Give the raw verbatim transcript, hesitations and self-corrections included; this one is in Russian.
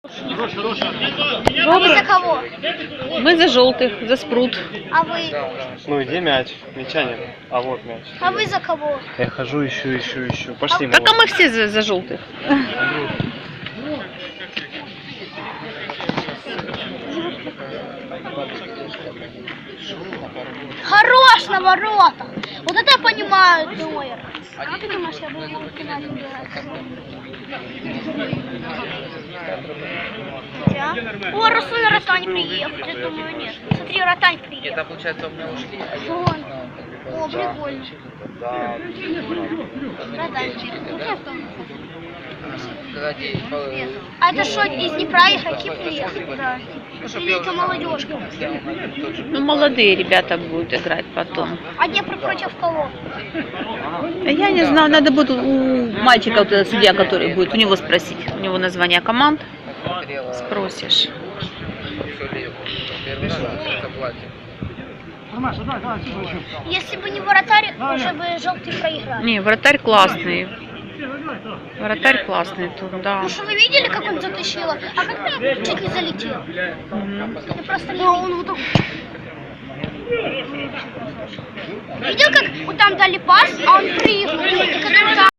А вы за кого? Мы за желтых, за спрут. А вы? Ну иди мяч, мяча нет. А вот мяч. А вы за кого? Я хожу, ищу, ищу, ищу. Пошли. Так а мы все за, за желтых. Хорош на ворота! Вот это я понимаю, Нойер. Как ты думаешь, я буду в финале играть? О, Расуль Ротань приехал. Я думаю, нет. Смотри, Ротань приехал. Это получается у меня ушли, а я... Вон. Ну, О, прикольно. Да. Ротань. Когда дети по- А это что, из Днепра ехать приехали? Да. Ну, чтоб Или я это уже знал, молодежка? сделал, наверное, тот же. Ну, молодые ребята будут играть потом. А Днепр против кого? А я не знаю, надо будет у мальчика, вот этот судья, который будет, у него спросить. У него название команд. Смотрела, Спросишь. всё ли первый раз заплатит. Если бы не вратарь, уже бы желтый проиграл. Не, вратарь классный. Вратарь классный тут, да. Ну что, вы видели, как он затащил? А как он чуть не залетел? Мгм. Я просто не он вот так... Видел, как вот там дали пас, а он прыгнул, который там...